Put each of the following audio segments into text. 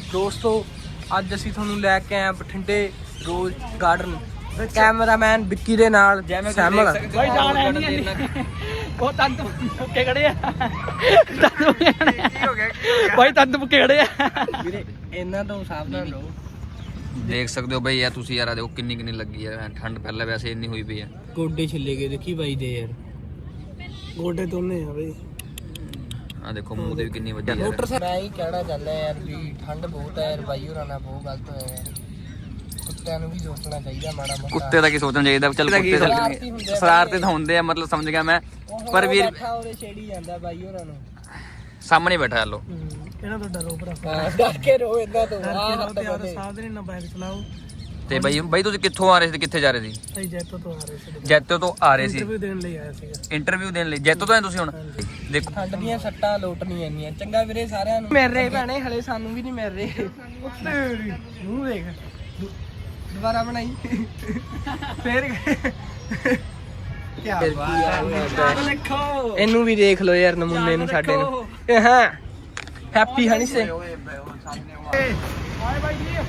ਦੋਸਤੋ ਅੱਜ ਅਸੀਂ ਤੁਹਾਨੂੰ ਲੈ ਕੇ ਆਏ ਬਠਿੰਡੇ ਰੋਜ਼ ਗਾਰਡਨ। ਕੈਮਰਾਮੈਨ ਵਿੱਕੀ ਦੇ ਨਾਲ ਸੈਮਲ ਭਾਈ ਜਾਣ ਹੈ ਨਹੀਂ ਉਹ ਤੰਦ ਮੁੱਕੇ ਖੜੇ ਆ ਭਾਈ ਤੰਦ ਮੁੱਕੇ ਖੜੇ ਆ ਵੀਰੇ ਇਹਨਾਂ ਤੋਂ ਸਾਵਧਾਨ ਰਹੋ। ਦੇਖ ਸਕਦੇ ਹੋ ਬਈ ਯਾਰ ਤੁਸੀਂ ਯਾਰ ਦੇਖੋ ਕਿੰਨੀ ਕਿੰਨੀ ਲੱਗੀ ਹੈ ਠੰਡ ਪਹਿਲਾਂ ਵੈਸੇ ਇੰਨੀ ਹੋਈ ਪਈ ਹੈ। ਗੋਡੇ ਛਿੱਲੇ ਗਏ ਦੇਖੀ ਬਾਈ ਦੇ ਯਾਰ ਗੋਡੇ ਦੋਨੇ ਆ ਬਈ। ਆ ਦੇਖੋ ਮੂੰਹ ਦੇ ਵੀ ਕਿੰਨੀ ਵੱਡੀ ਯਾਰ। ਮੈਂ ਹੀ ਕਹਿਣਾ ਚਾਹੁੰਦਾ ਯਾਰ ਵੀ ਠੰਡ ਬਹੁਤ ਹੈ ਯਾਰ, ਬਾਈ ਹੋਰਾਂ ਨਾਲ ਬਹੁਤ ਗਲਤ ਹੋਇਆ ਯਾਰ। ਕੁੱਤਿਆਂ ਨੂੰ ਵੀ ਸੋਚਣਾ ਚਾਹੀਦਾ ਮਾੜਾ ਮੋਟਾ। ਕੁੱਤੇ ਦਾ ਕੀ ਸੋਚਣਾ ਚਾਹੀਦਾ, ਚੱਲ ਕੁੱਤੇ ਸ਼ਰਾਰਤੀ ਤਾਂ ਹੁੰਦੇ ਆ, ਮਤਲਬ ਸਮਝ ਗਿਆ ਮੈਂ। ਪਰ ਵੀਰ ਉਹਦੇ ਛੇੜੀ ਜਾਂਦਾ ਬਾਈ ਹੋਰਾਂ ਨੂੰ। ਸਾਹਮਣੇ ਬੈਠਾ ਲੋ ਇਹਨਾਂ ਤੋਂ ਡਰੋ ਭਰਾ, ਡਰ ਕੇ ਰਹੋ ਇਹਨਾਂ ਤੋਂ। ਸਾਵਧਾਨੀ ਨਾਲ ਬਾਈਕ ਚਲਾਓ। ਤੇ ਬਾਈ ਤੁਸੀਂ ਕਿੱਥੋਂ ਆ ਰਹੇ ਸੀ, ਕਿੱਥੇ ਜਾ ਰਹੇ ਸੀ? ਅਸੀਂ ਜੈਤੋ ਤੋਂ ਆ ਰਹੇ ਸੀ। ਜੈਤੋ ਤੋਂ ਆ ਰਹੇ ਸੀ ਇੰਟਰਵਿਊ ਦੇਣ ਲਈ ਆਇਆ ਸੀਗਾ। ਇੰਟਰਵਿਊ ਦੇਣ ਲਈ ਜੈਤੋ ਤੋਂ ਆਏ ਤੁਸੀਂ ਹੁਣ? ਦੇਖੋ ਠੰਡ ਦੀਆਂ ਸੱਟਾਂ ਲੋਟ ਨਹੀਂ ਆਈਆਂ। ਚੰਗਾ ਵੀਰੇ ਸਾਰਿਆਂ ਨੂੰ ਮਿਲ ਰਹੇ ਭੈਣੇ, ਹਲੇ ਸਾਨੂੰ ਵੀ ਨਹੀਂ ਮਿਲ ਰਹੇ। ਮੂੰਹ ਦੇਖ ਦੁਬਾਰਾ ਬਣਾਈ ਫੇਰ ਕੀ ਬਾਤ ਹੈ। ਇਹਨੂੰ ਵੀ ਦੇਖ ਲਓ ਯਾਰ ਨਮੂਨੇ ਨੂੰ ਸਾਡੇ ਨੂੰ। ਹਾਂ ਹੈਪੀ ਹਨੀ ਸੇ ਹਾਏ ਭਾਈ ਜੀ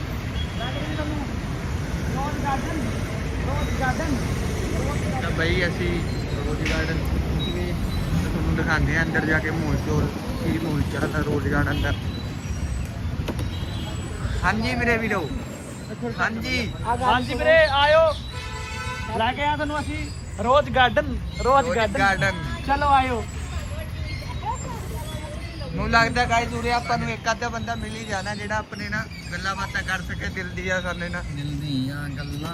ਰੋਜ਼ ਗਾਰਡਨ ਤਾਂ ਬਈ ਅਸੀਂ ਰੋਜ਼ ਗਾਰਡਨ ਤੁਹਾਨੂੰ ਦਿਖਾਉਂਦੇ ਆ ਅੰਦਰ ਜਾ ਕੇ ਮੋਲ ਚੋਲ ਕੀ ਮੋਲ ਚੱਲਦਾ ਰੋਜ਼ ਗਾਰਡਨ ਅੰਦਰ। ਹਾਂਜੀ ਮੇਰੇ ਵੀਰੋ, ਹਾਂਜੀ ਹਾਂਜੀ ਵੀਰੇ ਆਇਓ, ਲੈ ਕੇ ਆ ਤੁਹਾਨੂੰ ਅਸੀਂ ਰੋਜ਼ ਗਾਰਡਨ ਗਾਰਡਨ। ਚਲੋ ਆਇਓ। ਮੈਨੂੰ ਲੱਗਦਾ ਗਾਇਸ ਉਰੇ ਆਪਾਂ ਨੂੰ ਇੱਕ ਅੱਧਾ ਬੰਦਾ ਮਿਲ ਹੀ ਜਾਣਾ ਜਿਹੜਾ ਆਪਣੇ ਨਾਲ ਗੱਲਾਂ ਬਾਤਾਂ ਕਰ ਸਕੇ ਦਿਲ ਦੀਆਂ ਸਾਡੇ ਨਾਲ। ਦਿਲ ਦੀਆਂ ਗੱਲਾਂ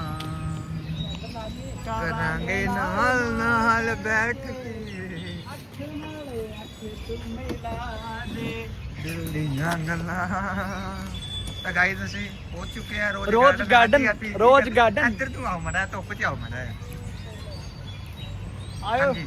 ਕਰਾਂਗੇ ਨਾਲ ਨਾਲ ਬੈਠ ਕੇ ਦਿਲ ਦੀਆਂ ਗੱਲਾਂ। ਤਾਂ ਗਾਇਸ ਅਸੀਂ ਪਹੁੰਚ ਚੁੱਕੇ ਆ ਰੋਜ਼ ਗਾਰਡਨ। ਇੱਧਰ ਤੂੰ ਆਓ ਮੜਾ, ਧੁੱਪ ਚ ਆਓ ਮੜਾ। ਆਇਓ ਹਾਂਜੀ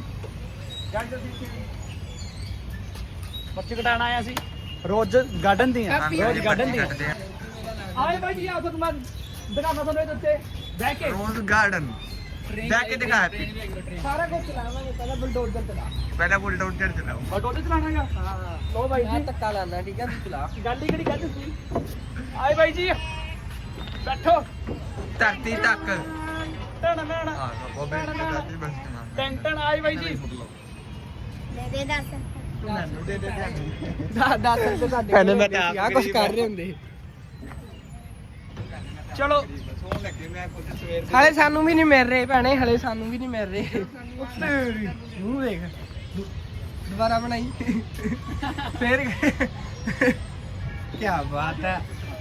ਬੱਚੇ ਕਟਾਣ ਆਇਆ ਸੀ ਰੋਜ਼ ਗਾਰਡਨ ਦੀਆਂ। ਰੋਜ਼ ਗਾਰਡਨ ਦੀਆਂ ਕੱਟਦੇ ਆ। ਆਏ ਭਾਈ ਜੀ ਆਓ ਤੁਹਾਨੂੰ ਮੈਂ ਦਿਖਾਵਾਂ ਤੁਹਾਨੂੰ ਇਹਦੇ ਉੱਤੇ ਬਹਿ ਕੇ ਰੋਜ਼ ਗਾਰਡਨ ਬੈਠ ਕੇ ਦਿਖਾ ਤੀ। ਸਾਰਾ ਕੁਝ ਚਲਾਵਾਂਗੇ। ਪਹਿਲਾਂ ਬੁਲਡੋਜ਼ਰ ਚਲਾ, ਪਹਿਲਾਂ ਬੁਲਡੋਜ਼ਰ ਚਲਾਓ। ਬੁਲਡੋਜ਼ਰ ਚਲਾਣਾਗਾ। ਹਾਂ ਲੋ ਭਾਈ ਮੈਂ ਜੀ ਧੱਕਾ ਲਾਣਾ ਠੀਕ ਹੈ ਤੂੰ ਚਲਾ। ਗੱਲ ਹੀ ਕਿਹੜੀ ਗੱਲ ਸੀ। ਆਏ ਭਾਈ ਜੀ ਬੈਠੋ। ਧਰਤੀ ਤੱਕ ਟਣ ਟਣ ਹਾਂ ਬਾਬੇ ਦਾਦੀ ਬਸ ਟਣ ਟਣ। ਆਏ ਭਾਈ ਜੀ ਤੂੰ ਮੈਨੂੰ ਦੇ ਦੇ ਦੱਸ ਤੇ ਤੁਹਾਡੇ ਮੈਂ ਤਾਂ ਆ ਕੁਝ ਕਰ ਰਹੇ ਹੁੰਦੇ। ਚਲੋ ਸੋਹਣ ਲੱਗੇ। ਮੈਂ ਖੁਦ ਸਵੇਰ ਹਲੇ ਸਾਨੂੰ ਵੀ ਨਹੀਂ ਮਿਲ ਰਹੇ ਭੈਣੇ, ਹਲੇ ਸਾਨੂੰ ਵੀ ਨਹੀਂ ਮਿਲ ਰਹੇ। ਮੂੰਹ ਦੇਖ ਦੁਬਾਰਾ ਬਣਾਈ ਫੇਰ ਕੀ ਬਾਤ ਹੈ।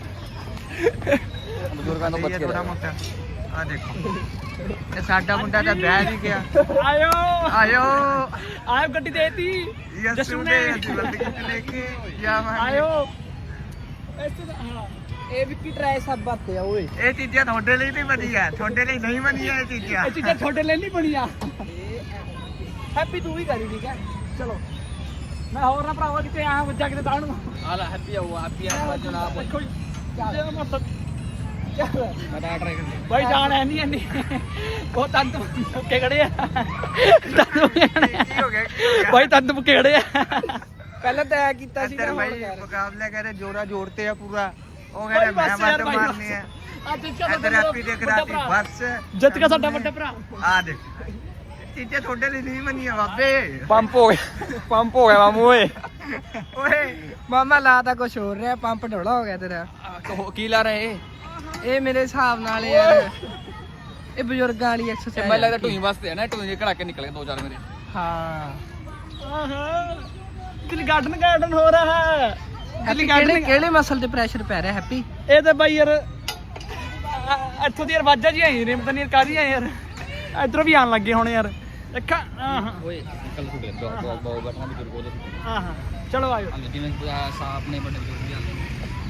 ਬਜ਼ੁਰਗਾਂ ਤੋਂ ਬਚ ਕੇ ਥੋੜਾ ਮੋਟਾ ਆ ਦੇਖੋ ਇਹ ਸਾਡਾ ਮੁੰਡਾ ਤਾਂ ਬਹਿ ਵੀ ਗਿਆ। ਆਇਓ ਆਇਓ ਆਇਓ ਗੱਡੀ ਦੇਤੀ ਯਸੂ ਨੇ ਬੰਦਗੀ ਲੈ ਕੇ ਜਾਵਾਂਗੇ। ਆਇਓ ਇੱਥੇ ਹਾਂ ਇਹ ਵਿੱਕੀ ਟਰਾਈ ਸਭ ਬਾਤੇ ਆ ਓਏ। ਇਹ ਚੀਜ਼ਾਂ ਤੁਹਾਡੇ ਲਈ ਨਹੀਂ ਬਣੀਆਂ, ਤੁਹਾਡੇ ਲਈ ਨਹੀਂ ਬਣੀਆਂ ਇਹ ਚੀਜ਼ਾਂ। ਇਹ ਚੀਜ਼ਾਂ ਛੋਟੇ ਲਈ ਨਹੀਂ ਬਣੀਆਂ। ਹੈਪੀ ਤੂੰ ਵੀ ਕਰੀ ਠੀਕ ਹੈ। ਚਲੋ ਮੈਂ ਹੋਰ ਨਾ ਭਰਾਵਾ ਕਿਤੇ ਆ ਵੱਜਾ ਕਿਤੇ ਤਾਣ ਨੂੰ। ਆਲਾ ਹੈਪੀ ਆਓ, ਹੈਪੀ ਆ ਜਨਾਬ। ਦੇਖੋ ਜੀ ਚੱਲ ਮਤ ਚੱਲ ਮੈਂ ਤਾਂ ਟਰਾਈ ਕਰ ਭਾਈ ਜਾਣ ਹੈ ਨਹੀਂ ਇੰਨੀ ਉਹ ਤੰਦ ਮੁੱਕੇ ਖੜੇ ਆ ਤੰਦ ਮੁੱਕੇ ਖੜੇ ਆ। ਕੀ ਹੋ ਗਿਆ ਭਾਈ ਤੰਦ ਮੁੱਕੇ ਖੜੇ ਆ। ਪਹਿਲਾਂ ਤੈਅ ਕੀਤਾ ਸੀ ਇੱਧਰ ਨਾ ਭਾਈ ਮੁਕਾਬਲਾ ਕਰੇ ਜੋਰਾ ਜੋੜਤੇ ਆ ਪੂਰਾ। ਉਹ ਕਹਿੰਦੇ ਮੈਂ ਵੱਟ ਮਾਰਨੀ ਆ। ਅੱਜ ਚਲੋ ਇੱਧਰ ਹੈਪੀ ਦੇ ਕਰਾਤੀ ਬਸ ਜਿੱਤ ਗਿਆ ਸਾਡਾ ਵੱਡਾ ਭਰਾ। ਆ ਦੇਖ ਚੀਜ਼ਾਂ ਤੁਹਾਡੇ ਲਈ ਨਹੀਂ ਬਣੀਆਂ ਬਾਬੇ। ਪੰਪ ਹੋ ਗਿਆ ਮਾਮੂ ਓਏ। ਓਏ ਮਾਮਾ ਲਾ ਤਾਂ ਕੁਝ ਹੋਰ ਰਿਹਾ, ਪੰਪ ਢੋਲਾ ਹੋ ਗਿਆ ਤੇਰਾ। ਕੀ ਲਾ ਰਹੇ ਇਹ ਮੇਰੇ ਹਿਸਾਬ ਨਾਲ ਯਾਰ ਇਹ ਬਜ਼ੁਰਗਾਂ ਵਾਲੀ ਐਕਸਰਸਾਈਜ਼। ਮੈਨੂੰ ਲੱਗਦਾ ਢੂਈ ਵਾਸਤੇ ਹੈ ਨਾ, ਢੂਈ ਦੇ ਘੜਾਕੇ ਨਿਕਲ ਗਏ ਦੋ ਚਾਰ ਮੇਰੇ। ਹਾਂ ਆਹਾ ਦਿੱਲੀ ਗਾਰਡਨ ਹੋ ਰਹਾ ਹੈ। ਦਿੱਲੀ ਗਾਰਡਨ ਕਿਹੜੇ ਮਸਲ ਤੇ ਪ੍ਰੈਸ਼ਰ ਪੈ ਰਿਹਾ ਹੈਪੀ? ਇਹ ਤਾਂ ਬਾਈ ਯਾਰ ਇੱਥੋਂ ਦੀ ਆਵਾਜ਼ਾਂ ਜੀ ਆਈ ਨੇ, ਪਤਾ ਨਹੀਂ ਕਾਹਦੀਆਂ ਯਾਰ। ਇਧਰੋਂ ਵੀ ਆਣ ਲੱਗੇ ਹੁਣ ਯਾਰ। ਦੇਖਾ ਆਹਾ ਓਏ ਨਿਕਲ ਸੁੜੇ ਦੋ ਬੈਠਣਾ ਬਜ਼ੁਰਗ ਉਹਦੇ ਆਹਾ ਚਲੋ ਆਇਓ। ਜਿਵੇਂ ਸਾਹਬ ਨੇ ਵੱਡੇ ਬਜ਼ੁਰਗ ਵੀ ਆਉਂਦੇ ਨੇ।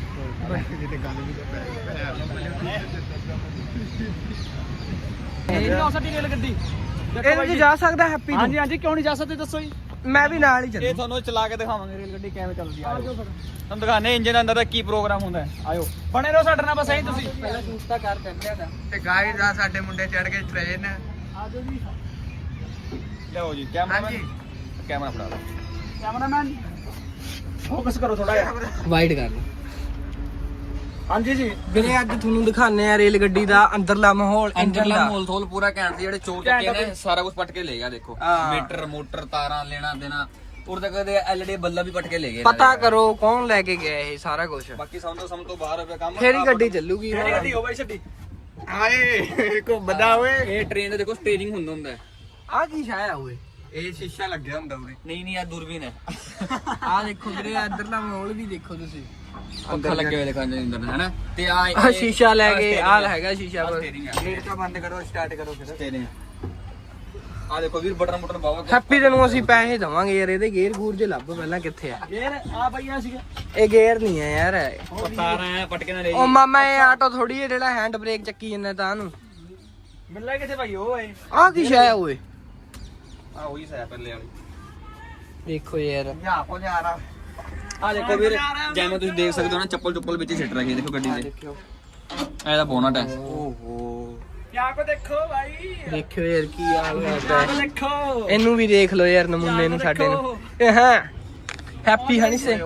ਇਹ ਨੌ ਸੱਟੀ ਰੇਲ ਗੱਡੀ ਇਹਦੇ 'ਚ ਜਾ ਸਕਦਾ ਹੈਪੀ? ਹਾਂਜੀ ਹਾਂਜੀ ਕਿਉਂ ਨਹੀਂ ਜਾ ਸਕਦੇ ਦੱਸੋ ਜੀ। ਮੈਂ ਵੀ ਨਾਲ ਹੀ ਇਹ ਚੱਲੂ। ਤੁਹਾਨੂੰ ਚਲਾ ਕੇ ਦਿਖਾਵਾਂਗੇ ਰੇਲ ਗੱਡੀ ਕਿਵੇਂ ਚੱਲਦੀ ਆ। ਆਜੋ ਫਿਰ ਤੁਹਾਨੂੰ ਦਿਖਾਣੇ ਇੰਜਨ ਅੰਦਰ ਦਾ ਕੀ ਪ੍ਰੋਗਰਾਮ ਹੁੰਦਾ ਹੈ। ਆਇਓ ਬਣੇ ਰਹੋ ਸਾਡੇ ਨਾਲ ਬਸ ਐਂ ਤੁਸੀਂ। ਪਹਿਲਾਂ ਦੂਸਰਾ ਕਰ ਦਿੰਦੇ ਆ। ਤੇ ਗਾਇਸ ਆ ਸਾਡੇ ਮੁੰਡੇ ਚੜ ਗਏ ਟ੍ਰੇਨ। ਆਜੋ ਜੀ ਲਿਆਓ ਜੀ ਕੈਮਰਾ ਹਾਂਜੀ ਕੈਮਰਾ ਫੜਾ ਲਓ। ਕੈਮਰਾਮੈਨ ਫੋਕਸ ਕਰੋ ਥੋੜਾ ਜਿਹਾ। ਵਾਈਡ ਕਰ ਲਓ। ਹਾਂਜੀ ਜੀ ਵੀਰੇ ਅੱਜ ਤੁਹਾਨੂੰ ਦਿਖਾਣੇ ਆ ਰੇਲ ਗੱਡੀ ਦਾ ਅੰਦਰਲਾ ਮਾਹੌਲ, ਇੰਜਨ ਅੰਦਰਲਾ ਦਾ। ਮੋਲ ਥੋਲ ਪੂਰਾ ਘੈਂਟ ਸੀ। ਜਿਹੜੇ ਚੋਰ ਚੱਕੇ ਨੇ ਸਾਰਾ ਕੁਝ ਪਟ ਕੇ ਲੈ ਗਿਆ। ਦੇਖੋ ਮੀਟਰ ਮੋਟਰ ਤਾਰਾਂ ਲੈਣਾ ਦੇਣਾ ਉਰ ਤੱਕ ਦੇ ਐਲਈਡੀ ਬੱਲਾ ਵੀ ਪਟ ਕੇ ਲੈ ਗਏ। ਪਤਾ ਕਰੋ ਕੌਣ ਲੈ ਕੇ ਗਿਆ ਇਹ ਸਾਰਾ ਕੁਝ, ਬਾਕੀ ਸਮ ਤੋਂ ਬਾਹਰ ਹੋਵੇ ਕੰਮ। ਫੇਰ ਹੀ ਗੱਡੀ ਚੱਲੂਗੀ। ਕਿਹੜੀ ਗੱਡੀ ਹੋ ਬਾਈ ਛੱਡੀ ਆਏ ਕੋ ਬਦਾ ਓਏ ਇਹ ਟ੍ਰੇਨ ਦਾ ਦੇਖੋ ਸਟੀਅਰਿੰਗ ਹੁੰਦਾ ਹੈ। ਆ ਕੀ ਛਾਇਆ ਹੋਏ? ਇਹ ਸ਼ੀਸ਼ਾ ਲੱਗਿਆ ਹੁੰਦਾ ਉਰੇ। ਨਹੀਂ ਆ ਦੂਰਬੀਨ ਹੈ। ਆ ਦੇਖੋ ਵੀਰੇ ਅੰਦਰਲਾ ਮਾਹੌਲ ਵੀ ਦੇਖੋ ਤੁਸੀਂ। ਪੱਖਾ ਲੱਗਿਆ ਹੋਇਆ ਦੇਖਾਂ ਅੰਦਰ ਹੈਨਾ। ਤੇ ਆ ਸ਼ੀਸ਼ਾ ਲੈ ਕੇ ਆ ਹੈਗਾ ਸ਼ੀਸ਼ਾ ਬਸ। ਗੇਟ ਕਾ ਬੰਦ ਕਰੋ, ਸਟਾਰਟ ਕਰੋ ਫਿਰ। ਆ ਦੇਖੋ ਵੀਰ ਬਟਨ ਬਾਵਾ। ਹੈਪੀ ਤੈਨੂੰ ਅਸੀਂ ਪੈਸੇ ਦਵਾਂਗੇ ਯਾਰ, ਇਹਦੇ ਗੇਅਰ ਗੂਰ ਜੇ ਲੱਭ ਪਹਿਲਾਂ ਕਿੱਥੇ ਆ। ਗੇਰ ਆ ਬਈਆ ਸੀਗੇ ਇਹ ਗੇਅਰ ਨਹੀਂ ਆ ਯਾਰ। ਤਾਰਾਂ ਪਟਕੇ ਨਾਲ ਲੈ ਉਹ ਮਾਮਾ ਇਹ ਆਟੋ ਥੋੜੀ ਹੈ ਜਿਹੜਾ ਹੈਂਡ ਬ੍ਰੇਕ ਚੱਕੀ ਜਾਂਦਾ ਤਾਂ ਨੂੰ। ਮਿਲਣਾ ਕਿੱਥੇ ਭਾਈ ਉਹ ਏ ਆ ਕੀ ਛਾਇਆ ਹੋਏ? ਆ ਉਹੀ ਸੈ ਪਹਿਲੇ ਵਾਲੀ। ਦੇਖੋ ਯਾਰ ਜਾ ਕੋ ਜਾ ਰਹਾ। ਆ ਦੇਖੋ ਵੀਰ ਜਿਵੇਂ ਤੁਸੀਂ ਦੇਖ ਸਕਦੇ ਹੋ ਨਾ ਚੱਪਲ ਵਿੱਚ ਸਿੱਟ ਰਹੀ ਹੈ। ਦੇਖੋ ਗੱਡੀ ਦੇ ਦੇਖਿਓ ਇਹਦਾ ਬੋਨਟ ਹੈ। ਓਹੋ ਕਿਆ ਕੋ ਦੇਖੋ ਭਾਈ, ਦੇਖਿਓ ਯਾਰ ਕੀ ਹਾਲ ਹੋਇਆ। ਦੇਖੋ ਇਹਨੂੰ ਵੀ ਦੇਖ ਲਓ ਯਾਰ ਨਮੂਨੇ ਨੂੰ ਸਾਡੇ ਨੂੰ। ਇਹ ਹਾਂ ਹੈਪੀ ਹਨੀ ਸੇ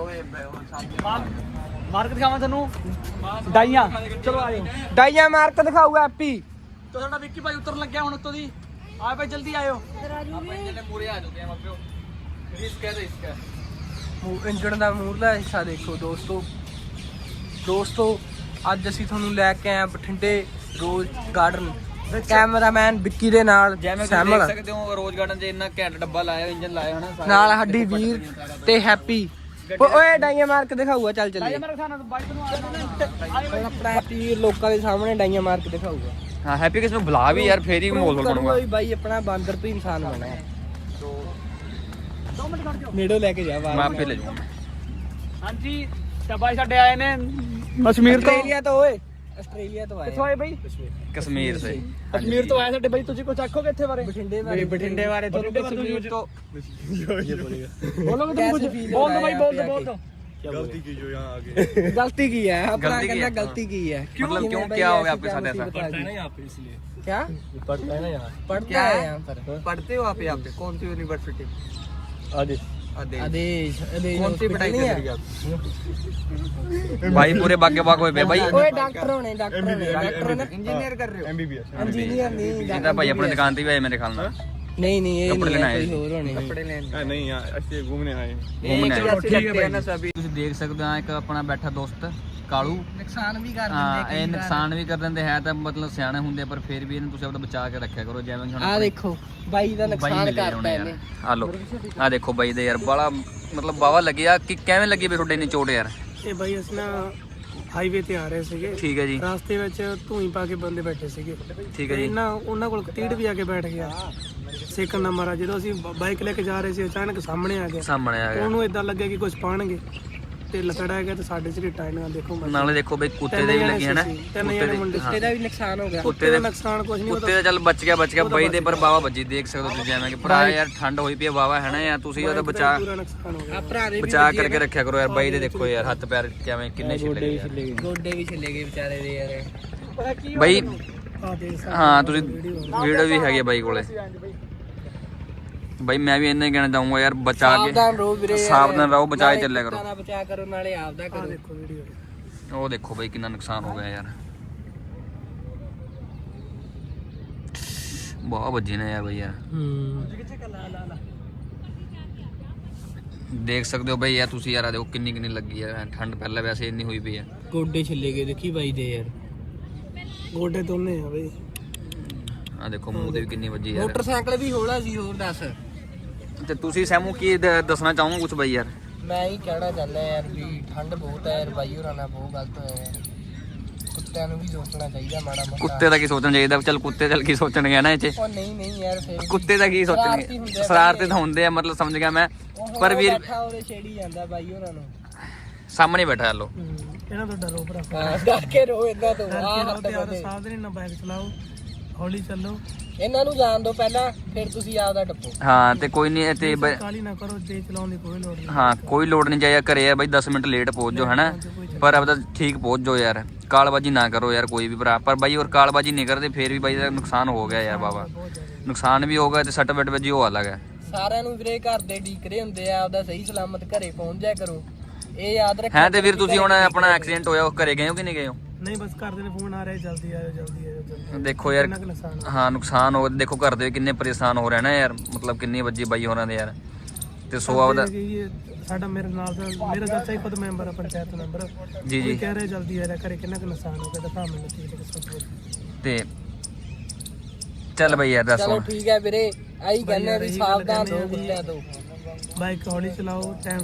ਮਾਰਕ ਦਿਖਾਵਾਂ ਤੁਹਾਨੂੰ ਡਾਈਆਂ। ਚਲੋ ਆਇਓ ਡਾਈਆ ਮਾਰਕ ਦਿਖਾਊਗਾ ਹੈਪੀ। ਤੋ ਸਾਡਾ ਵਿੱਕੀ ਭਾਈ ਉਤਰਨ ਲੱਗਿਆ ਹੁਣ ਉੱਤੋਂ ਦੀ। ਆ ਭਾਈ ਜਲਦੀ ਆਇਓ। ਪੂਰੇ ਆ ਚੁੱਕੇ ਆ ਮੱਪਿਓ। ਰਿਸਕ ਹੈ ਰਿਸਕ ਇੰਜਣ ਦਾ ਮੂਹਰਲਾ ਹਿੱਸਾ ਦੇਖੋ ਦੋਸਤੋ ਅੱਜ ਅਸੀਂ ਤੁਹਾਨੂੰ ਲੈ ਕੇ ਆਏ ਹਾਂ ਬਠਿੰਡੇ ਰੋਜ਼ ਗਾਰਡਨ। ਕੈਮਰਾਮੈਨ ਵਿੱਕੀ ਦੇ ਨਾਲ ਜਿਵੇਂ ਤੁਸੀਂ ਸੈਮਲ ਦੇਖ ਸਕਦੇ ਹੋ ਰੋਜ਼ ਗਾਰਡਨ 'ਚ ਇੰਨਾ ਘੈਂਟ ਡੱਬਾ ਲਾਇਆ ਇੰਜਨ ਲਾਇਆ ਹਨਾ। ਨਾਲ ਹੱਡੀ ਵੀਰ ਤੇ ਹੈਪੀ। ਓਏ ਡਾਈਆ ਮਾਰਕ ਦਿਖਾਊਗਾ। ਚੱਲ ਚੱਲੀਏ। ਮੇਰੇ ਖਾਣਾ ਤੋਂ ਬਾਈਕ ਨੂੰ ਆਇਓ। ਹੁਣ ਆਪਣਾ ਹੈਪੀ ਲੋਕਾਂ ਦੇ ਸਾਹਮਣੇ ਡਾਈਆ ਮਾਰਕ ਦਿਖਾਊਗਾ। ਹਾਂ ਹੈਪੀ ਕਿਸ ਨੂੰ ਬੁਲਾ ਵੀ ਯਾਰ ਫੇਰ ਹੀ ਮਾਹੌਲ ਬਣੂਗਾ। ਵੀ ਬਾਈ ਆਪਣਾ ਬਾਂਦਰ ਤੋਂ ਇਨਸਾਨ ਬਣਾ ਹੈ। 2 ਮਿੰਟ ਖੜ ਜਾਓ। ਨੇੜੋਂ ਲੈ ਕੇ ਜਾ ਬਾਹਰ। ਮੈਂ ਆਪੇ ਲੈ ਜਾਊਂਗਾ। ਹਾਂਜੀ ਤਾਂ ਬਾਈ ਸਾਡੇ ਆਏ ਨੇ ਕਸ਼ਮੀਰ ਤੋਂ। ਆਸਟ੍ਰੇਲੀਆ ਤੋਂ ਓਏ ਆਸਟ੍ਰੇਲੀਆ ਤੋਂ ਆਏ। ਕਿੱਥੋਂ ਆਏ ਬਾਈ? ਕਸ਼ਮੀਰ ਸੇ ਕਸ਼ਮੀਰ ਤੋਂ ਆਏ ਸਾਡੇ ਬਾਈ। ਤੁਸੀਂ ਕੁਝ ਆਖੋਗੇ ਇੱਥੇ ਬਾਰੇ? ਬਠਿੰਡੇ ਬਾਰੇ ਤੋਂ ਕਸ਼ਮੀਰ ਤੋਂ ਬੋਲੋਗੇ ਤੁਸੀਂ ਕੁਝ? ਬੋਲ ਦੋ ਬਾਈ, ਬੋਲ ਦੋ। गलती की जो यहाँ आगे गलती की है अपना गलती की कहना है। गलती की है। मतलब क्यों क्या हो गया आपके साथ ऐसा? पढ़ता है ना यहाँ पे इसलिए। क्या पढ़ता है ना यहाँ पढ़ता है यहाँ पर? पढ़ते हो आप यहाँ पे कौन सी यूनिवर्सिटी आदेश आदेश कौन सी पढ़ाई कर रही आप भाई पूरे बागे बाग होए पे भाई। ओए डॉक्टर होने डॉक्टर ने इंजीनियर कर रहे हो MBBS इंजीनियर नहीं ਇਹਦਾ ਭਾਈ ਆਪਣੀ ਦੁਕਾਨ ਤੇ ਵੀ ਆਏ ਮੇਰੇ ਖਿਆਲ ਨਾਲ। नहीं ये कपड़े नहीं लेने है आए। कोई और होने कपड़े लेने नहीं यहाँ ऐसे घूमने आए घूमने आए। ठीक है ना सभी ਤੁਸੀਂ ਦੇਖ ਸਕਦੇ ਹੋ ਇੱਕ ਆਪਣਾ ਬੈਠਾ ਦੋਸਤ ਕਾਲੂ। नुकसान भी कर ਹਾਂ देंगे ਇਹ ਨੁਕਸਾਨ ਵੀ ਕਰ ਦਿੰਦੇ ਹੈ ਤਾਂ ਮਤਲਬ ਸਿਆਣੇ ਹੁੰਦੇ ਪਰ ਫਿਰ ਵੀ ਇਹਨੂੰ ਤੁਸੀਂ ਆਪਣਾ ਬਚਾ ਕੇ ਰੱਖਿਆ ਕਰੋ। ਜਿਵੇਂ ਕਿ ਹੁਣ आ देखो भाई ਦਾ ਬਾਈ ਨੁਕਸਾਨ ਮਿਲੇ ਕਰਤਾ ਹੋਣੇ ਯਾਰ। ਇਹਨੇ। ਆ ਲੋ ਆ ਦੇਖੋ ਬਾਈ ਦੇ ਯਾਰ ਬੜਾ ਮਤਲਬ ਬਾਵਾ ਲੱਗਿਆ ਕਿ ਕਿਵੇਂ ਲੱਗੀ ਵੀ ਤੁਹਾਡੇ ਇੰਨੀ ਚੋਟ ਯਾਰ। ਇਹ ਬਾਈ ਅਸੀਂ ਨਾ ਹਾਈਵੇ ਤੇ ਆ ਰਹੇ ਸੀਗੇ। ਠੀਕ ਹੈ ਜੀ ਰਾਸਤੇ ਵਿੱਚ ਧੂਈ ਪਾ ਕੇ ਬੰਦੇ ਬੈਠੇ ਸੀਗੇ। ਠੀਕ ਹੈ ਜੀ। ਉਹਨਾਂ ਕੋਲ ਕਤੀੜ ਵੀ ਆ ਕੇ ਬੈਠ ਗਿਆ। ਸੇਕਣ ਦਾ ਮਾਰਾ ਜਦੋਂ ਅਸੀਂ ਬਾਈਕ ਲੈ ਕੇ ਜਾ ਰਹੇ ਸੀ ਅਚਾਨਕ ਸਾਹਮਣੇ ਆ ਗਿਆ। ਸਾਹਮਣੇ ਆ ਗਿਆ। ਉਹਨੂੰ ਇਦਾਂ ਲੱਗਿਆ ਕਿ ਕੁਝ ਪਾਣਗੇ ਤੇ ਲਸੜਾ ਗਿਆ ਤੇ ਸਾਡੇ ਝਰੀਟਾਂ ਇਹਨਾਂ ਦੇਖੋ ਨਾਲੇ ਦੇਖੋ ਬਈ ਕੁੱਤੇ ਦੇ ਵੀ ਲੱਗੀ ਹੈ ਨਾ। ਤਿੰਨ ਜਣੇ ਮੁੰਡੇ ਕੁੱਤੇ ਦਾ ਵੀ ਨੁਕਸਾਨ ਹੋ ਗਿਆ। ਕੁੱਤੇ ਦੇ ਨੁਕਸਾਨ ਕੁਝ ਨਹੀਂ ਕੁੱਤੇ ਦਾ ਚੱਲ ਬਚ ਗਿਆ ਬਾਈ ਦੇ ਪਰ ਬਾਵਾ ਵੱਜੀ ਦੇਖ ਸਕਦੇ ਹੋ ਤੁਸੀਂ ਜਿਵੇਂ ਕਿ ਭਰਾ ਯਾਰ ਠੰਡ ਹੋਈ ਪਈ ਹੈ ਬਾਵਾ ਹੈ ਨਾ ਯਾਰ ਤੁਸੀਂ ਉਹਦਾ ਬਚਾ ਪੂਰਾ ਨੁਕਸਾਨ ਹੋ ਗਿਆ। ਆ ਭਰਾ ਦੇ ਵੀ ਬਚਾ ਕਰਕੇ ਰੱਖਿਆ ਕਰੋ ਯਾਰ। ਬਾਈ ਦੇ ਦੇਖੋ ਯਾਰ ਹੱਥ ਪੈਰ ਕਿਵੇਂ ਕਿੰਨੇ ਛਿੱਲੇ ਗਏ ਯਾਰ। ਗੋਡੇ ਵੀ ਛਿੱਲੇ ਗਏ ਵਿਚਾਰੇ ਦੇ ਯਾਰ। ਪਤਾ ਕੀ ਬਾਈ ਆ ਦੇਖ ਸਕਦੇ ਹਾਂ ਤੁਸੀਂ ਵੀਡੀਓ ਵੀ ਹੈਗੀ ਬਾਈ ਕੋਲੇ। ਬਾਈ ਮੈਂ ਵੀ ਇੰਨਾ ਹੀ ਕਹਿਣਾ ਚਾਹੂੰਗਾ ਯਾਰ ਬਚਾ ਕੇ ਸਾਵਧਾਨ ਰਹੋ ਵੀਰੇ ਯਾਰ। ਸਾਵਧਾਨ ਰਹੋ ਬਚਾ ਕੇ ਨਾਲੇ ਚੱਲਿਆ ਕਰੋ। ਕੁੱਤਾਂ ਦਾ ਬਚਾ ਕਰੋ ਨਾਲੇ ਆਪਦਾ ਕਰੋ। ਦੇਖੋ ਵੀਡੀਓ ਉਹ ਦੇਖੋ ਬਾਈ ਕਿੰਨਾ ਨੁਕਸਾਨ ਹੋ ਗਿਆ ਯਾਰ। ਬਹੁਤ ਵੱਜੀ ਨੇ ਯਾਰ ਬਾਈ ਯਾਰ। ਦੇਖ ਸਕਦੇ ਹੋ ਬਾਈ ਯਾਰ ਤੁਸੀਂ ਯਾਰ ਆ ਦੇਖੋ ਕਿੰਨੀ ਲੱਗੀ ਯਾਰ। ਠੰਡ ਪਹਿਲਾਂ ਵੈਸੇ ਇੰਨੀ ਹੋਈ ਪਈ ਹੈ। ਗੋਡੇ ਛਿੱਲੇ ਗਏ ਦੇਖੀ ਬਾਈ ਦੇ ਯਾਰ। ਗੋਡੇ ਦੋਨੇ ਆ ਬਈ। ਆ ਦੇਖੋ ਮੂੰਹ ਤੇ ਵੀ ਕਿੰਨੀ ਵੱਜੀ ਯਾਰ। ਮੋਟਰਸਾਈਕਲ ਵੀ ਹੌਲਾ ਸੀ ਹੋਰ ਦੱਸ। ਤੇ ਤੁਸੀਂ ਸੈਮੂ ਕੀ ਦੱਸਣਾ ਚਾਹੋਗੇ ਕੁਝ ਬਾਈ ਯਾਰ? ਮੈਂ ਹੀ ਕਹਿਣਾ ਚਾਹੁੰਦਾ ਯਾਰ ਵੀ ਠੰਡ ਬਹੁਤ ਹੈ ਯਾਰ। ਬਾਈ ਹੋਰਾਂ ਨਾਲ ਬਹੁਤ ਗਲਤ ਹੋਇਆ ਯਾਰ। ਕੁੱਤਿਆਂ ਨੂੰ ਵੀ ਸੋਚਣਾ ਚਾਹੀਦਾ ਮਾੜਾ ਮੋਟਾ। ਕੁੱਤੇ ਦਾ ਕੀ ਸੋਚਣਾ ਚਾਹੀਦਾ? ਚੱਲ ਕੁੱਤੇ ਚੱਲ ਕੀ ਸੋਚਣਗੇ ਨਾ ਇਹ 'ਚ। ਉਹ ਨਹੀਂ ਯਾਰ ਫੇਰ ਕੁੱਤੇ ਦਾ ਕੀ ਸੋਚਣਗੇ? ਸ਼ਰਾਰਤੀ ਤਾਂ ਹੁੰਦੇ ਆ ਮਤਲਬ ਸਮਝ ਗਿਆ ਮੈਂ। ਪਰ ਵੀਰ ਉਹਦੇ ਛੇੜੀ ਜਾਂਦਾ ਬਾਈ ਹੋਰਾਂ ਨੂੰ। ਸਾਹਮਣੇ ਬੈਠਾ ਲੋ। ਇਹਨਾਂ ਤੋਂ ਡਰੋ ਭਰਾ। ਹਾਂ ਡਰ ਕੇ ਰੋ ਇਹਨਾਂ ਤੋਂ। ਆਹ ਹੱਥ ਤੇ ਬੰਦੇ। ਸਾਵਧਾਨੀ ਨਾਲ ਬਾਈਕ ਚਲਾਓ, ਹੌਲੀ ਚੱਲੋ, ਇਹਨਾਂ ਨੂੰ ਜਾਣ ਦਿਓ ਪਹਿਲਾਂ ਫਿਰ ਤੁਸੀਂ ਆਪਦਾ ਟੱਪੋ। ਹਾਂ ਤੇ ਕੋਈ ਨਹੀਂ ਤੇ ਕਾਲੀ ਨਾ ਕਰੋ। ਦੇ ਚਲਾਉਣ ਦੀ ਕੋਈ ਲੋੜ ਨਹੀਂ। ਹਾਂ ਕੋਈ ਲੋੜ ਨਹੀਂ ਚਾਹੀਦਾ। ਘਰੇ ਆ ਬਾਈ 10 ਮਿੰਟ ਲੇਟ ਪਹੁੰਚ ਜਾਓ ਹੈਨਾ ਪਰ ਆਪਦਾ ਠੀਕ ਪਹੁੰਚ ਜਾਓ ਯਾਰ। ਕਾਲਬਾਜੀ ਨਾ ਕਰੋ ਯਾਰ ਕੋਈ ਵੀ ਭਰਾ। ਪਰ ਬਾਈ ਹੋਰ ਕਾਲਬਾਜੀ ਨਹੀਂ ਕਰਦੇ ਫੇਰ ਵੀ ਬਾਈ ਦਾ ਨੁਕਸਾਨ ਹੋ ਗਿਆ ਯਾਰ ਬਾਬਾ। ਨੁਕਸਾਨ ਵੀ ਹੋ ਗਿਆ ਤੇ ਸੱਟ ਵੱਜੀ ਉਹ ਅਲੱਗ ਹੈ। ਸਾਰਿਆਂ ਨੂੰ ਵੀਰੇ ਘਰ ਦੇ ਡੀਕਰੇ ਹੁੰਦੇ ਆ। ਆਪਦਾ ਸਹੀ ਸਲਾਮਤ ਘਰੇ ਪਹੁੰਚ ਜਾਇਆ ਕਰੋ। ਇਹ ਯਾਦ ਰੱਖਿਆ ਹੈ ਤੇ ਵੀਰ ਤੁਸੀਂ ਹੁਣ ਆਪਣਾ ਐਕਸੀਡੈਂਟ ਹੋਇਆ ਉਹ ਘਰੇ ਗਏ ਹੋ ਕਿ ਨਹੀਂ ਗਏ ਹੋ? ਨਹੀਂ ਬਸ ਘਰਦੇ ਨੇ ਫੋਨ ਆ ਰਿਹਾ ਜਲਦੀ ਆਇਓ ਜਲਦੀ ਆਇਓ ਜਲਦੀ। ਦੇਖੋ ਯਾਰ ਕਿੰਨਾ ਕੁ ਨੁਕਸਾਨ ਹੋਇਆ। ਹਾਂ ਨੁਕਸਾਨ ਹੋ ਦੇਖੋ ਘਰ ਦੇ ਕਿੰਨੇ ਪਰੇਸ਼ਾਨ ਹੋ ਰਹੇ ਨਾ ਯਾਰ, ਮਤਲਬ ਕਿੰਨੀ ਵੱਜੀ ਬਾਈ ਹੋਰਾਂ ਦੇ ਯਾਰ। ਤੇ ਸੋ ਆਪਦਾ ਸਾਡਾ ਮੇਰੇ ਨਾਲ ਦਾ ਮੇਰਾ ਚਾਚਾ ਹੀ ਖੁਦ ਮੈਂਬਰ ਆ, ਪੰਚਾਇਤ ਮੈਂਬਰ। ਜੀ ਜੀ। ਉਹ ਕਹਿ ਰਿਹਾ ਜਲਦੀ ਆ ਰਿਹਾ, ਘਰੇ ਕਿੰਨਾ ਕੁ ਨੁਕਸਾਨ ਹੋ ਗਿਆ ਦਿਖਾ ਮੈਨੂੰ ਕੀ ਕੁਛ। ਤੇ ਚੱਲ ਬਈ ਯਾਰ ਦੱਸ ਚਲੋ ਹੁਣ। ਠੀਕ ਹੈ ਵੀਰੇ, ਆਹੀ ਕਹਿੰਦੇ ਵੀ ਸਾਵਧਾਨ ਰਹੋ ਕੁੱਤਿਆਂ ਤੋਂ। ਬਾਈਕ ਹੌਲੀ ਚਲਾਓ, ਟਾਈਮ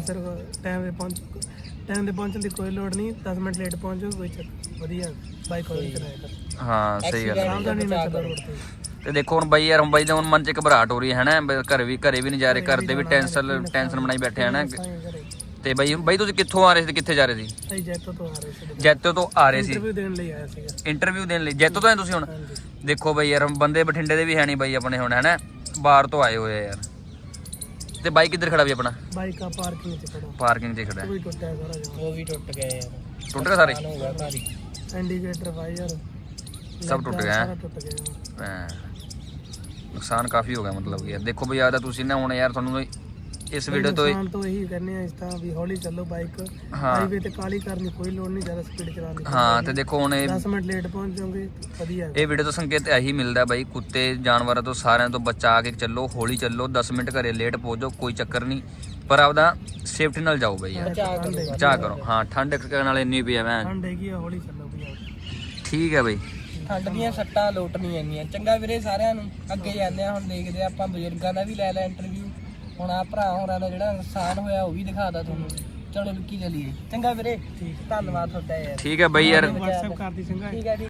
ਤੇ ਪਹੁੰਚਣ ਦੀ ਕੋਈ ਲੋੜ ਨਹੀਂ। 10 ਮਿੰਟ ਲੇਟ ਪਹੁੰਚੋ ਕੋਈ ਚੱਕਰ, ਵਧੀਆ ਬਾਈਕ ਹੌਲੀ ਚਲਾਇਆ ਕਰ। ਹਾਂ ਸਹੀ ਗੱਲ ਹੈ। ਸਾਵਧਾਨੀ ਨਾਲ ਚੱਲੋ ਰੋਡ ਤੇ। ਤੇ ਦੇਖੋ ਹੁਣ ਬਾਈ ਯਾਰ, ਹੁਣ ਬਾਈ ਦਾ ਹੁਣ ਮਨ ਚ ਘਬਰਾਹਟ ਹੋ ਰਹੀ ਹੈ ਨਾ, ਘਰੇ ਵੀ ਨਹੀਂ ਜਾ ਰਹੇ, ਘਰ ਦੇ ਵੀ ਟੈਨਸ਼ਨ ਬਣਾਈ ਬੈਠੇ ਹੈ ਨਾ। ਤੇ ਬਾਈ ਤੁਸੀਂ ਕਿੱਥੋਂ ਆ ਰਹੇ ਸੀ, ਕਿੱਥੇ ਜਾ ਰਹੇ ਸੀ? ਸਹੀ ਜੈਤੋ ਤੋਂ ਆ ਰਹੇ ਸੀ। ਜੈਤੋ ਤੋਂ ਆ ਰਹੇ ਸੀ ਇੰਟਰਵਿਊ ਦੇਣ ਲਈ ਆਇਆ ਸੀਗਾ। ਇੰਟਰਵਿਊ ਦੇਣ ਲਈ ਜੈਤੋ ਤੋਂ ਆਏ ਤੁਸੀਂ ਹੁਣ? ਦੇਖੋ ਬਾਈ ਯਾਰ, ਬੰਦੇ ਬਠਿੰਡੇ ਦੇ ਵੀ ਹੈ ਨਹੀਂ ਬਾਈ ਆਪਣੇ ਹੁਣ, ਹੈ ਨਾ, ਬਾਹਰ ਤੋਂ ਆਏ ਹੋਏ ਆ ਯਾਰ। ਤੇ ਬਾਈਕ ਕਿੱਧਰ ਖੜਾ ਵੀ ਆਪਣਾ? ਬਾਈਕ ਆ ਪਾਰਕਿੰਗ 'ਚ ਖੜਾ। ਪਾਰਕਿੰਗ 'ਚ ਖੜਾ ਹੈ। ਕੋਈ ਟੁੱਟਿਆ ਸਾਰਾ ਜਮਾਂ। ਉਹ ਵੀ ਟੁੱਟ ਗਏ ਯਾਰ, ਟੁੱਟ ਗਏ ਸਾਰੇ? ਹੋ ਗਿਆ ਭਾਰੀ। ਇੰਡੀਕੇਟਰ ਵਾਇਰ ਸਭ ਟੁੱਟ ਗਿਆ ਸਾਰਾ ਟੁੱਟ ਗਿਆ। ਹੈਂ। ਨੁਕਸਾਨ ਕਾਫੀ ਹੋ ਗਿਆ ਮਤਲਬ ਕਿ ਯਾਰ। ਦੇਖੋ ਬਈ ਆਦਾ ਤੁਸੀਂ ਨਾ ਹੁਣ ਯਾਰ, ਤੁਹਾਨੂੰ ਇਸ ਵੀਡੀਓ ਤੋਂ ਨੁਕਸਾਨ ਤੋਂ ਇਹੀ ਕਹਿੰਦੇ ਆ ਇਸ ਤਾਂ ਵੀ ਹੌਲੀ ਚੱਲੋ ਬਾਈਕ। ਹਾਂ। ਹਾਈਵੇ ਤੇ ਕਾਲੀ ਕਰਨੀ ਕੋਈ ਲੋੜ ਨਹੀਂ, ਜ਼ਿਆਦਾ ਸਪੀਡ ਚਲਾਉਣੀ। ਹਾਂ ਤੇ ਦੇਖੋ ਹੁਣ 10 ਮਿੰਟ ਲੇਟ ਪਹੁੰਚ ਜਾਓਗੇ ਵਧੀਆ। ਇਹ ਵੀਡੀਓ ਤੋਂ ਸੰਕੇਤ ਇਹੀ ਮਿਲਦਾ ਬਾਈ, ਕੁੱਤੇ ਜਾਨਵਰਾਂ ਤੋਂ ਸਾਰਿਆਂ ਤੋਂ ਬਚਾ ਕੇ ਚੱਲੋ, ਹੌਲੀ ਚੱਲੋ। 10 ਮਿੰਟ ਘਰੇ ਲੇਟ ਪਹੁੰਚੋ ਕੋਈ ਚੱਕਰ ਨਹੀਂ, ਪਰ ਆਪਦਾ ਸੇਫਟੀ ਨਾਲ ਜਾਓ ਬਾਈ ਯਾਰ, ਬਚਾ ਕਰੋ। ਹਾਂ ਠੰਡ ਨਾਲ ਇੰਨੀ ਪਈ ਆ ਮੈਂ। ਠੰਡ ਹੈਗੀ ਆ, ਹੌਲੀ ਚੱਲੋ ਭਈਆ। ਠੀਕ ਹੈ ਬਾਈ। ਠੰਡ ਦੀਆਂ ਸੱਟਾਂ ਲੋਟ ਨਹੀਂ ਇੰਨੀਆਂ। ਚੰਗਾ ਵੀਰੇ ਸਾਰਿਆਂ ਨੂੰ, ਅੱਗੇ ਜਾਂਦੇ ਆ ਹੁਣ, ਦੇਖਦੇ ਆ ਆਪਾਂ ਬਜ਼ੁਰਗਾਂ ਦਾ ਵੀ ਲੈ ਇੰਟਰਵਿਊ। ਹੁਣ ਆ ਭਰਾ ਹੋਰਾਂ ਦਾ ਜਿਹੜਾ ਨੁਕਸਾਨ ਹੋਇਆ ਉਹ ਵੀ ਦਿਖਾਦਾ ਤੁਹਾਨੂੰ। ਚਲੋ ਲੁੱਕੀ ਚਲੀਏ। ਚੰਗਾ ਵੀਰੇ, ਧੰਨਵਾਦ ਤੁਹਾਡਾ ਯਾਰ। ਠੀਕ ਹੈ ਬਾਈ ਯਾਰ। WhatsApp ਕਰ ਦੀ ਚੰਗਾ। ਠੀਕ ਹੈ ਜੀ।